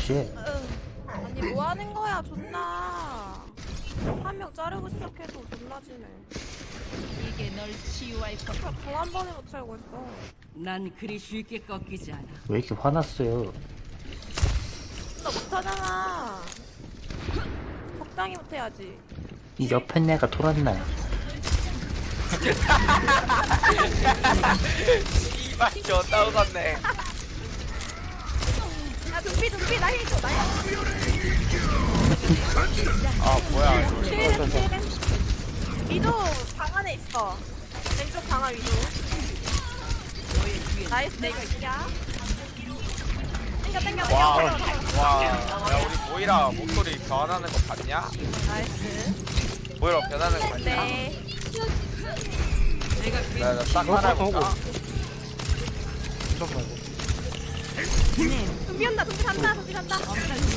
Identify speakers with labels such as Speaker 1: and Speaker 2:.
Speaker 1: 무시해.
Speaker 2: 아니 뭐 하는 거야 존나. 한 명 자르고 시작해도 존나 지네.
Speaker 3: 이게 널 치유할 것.
Speaker 2: 공한 번에 못 채우고 있어.
Speaker 3: 난 그리 쉽게 꺾이지 않아.
Speaker 1: 왜 이렇게 화났어요?
Speaker 2: 나 못하잖아. 적당히 못해야지.
Speaker 1: 이 옆에 내가 돌았나?
Speaker 4: 이발 존나 웃었네.
Speaker 2: 야 dum피 나 힐줘 나 힐.
Speaker 4: 아 뭐야 이거.
Speaker 2: 위도 방 안에 있어. 왼쪽 방아 위도. 나이스 내가 이야. 땡겨.
Speaker 4: 와, 야 우리 모이라 목소리 변하는 거 봤냐?
Speaker 2: 나이스.
Speaker 4: 모이라 변하는 거 봤냐?
Speaker 2: 네.
Speaker 4: 나딱 하나 해볼까?
Speaker 2: dum피 온다. dum피 간다.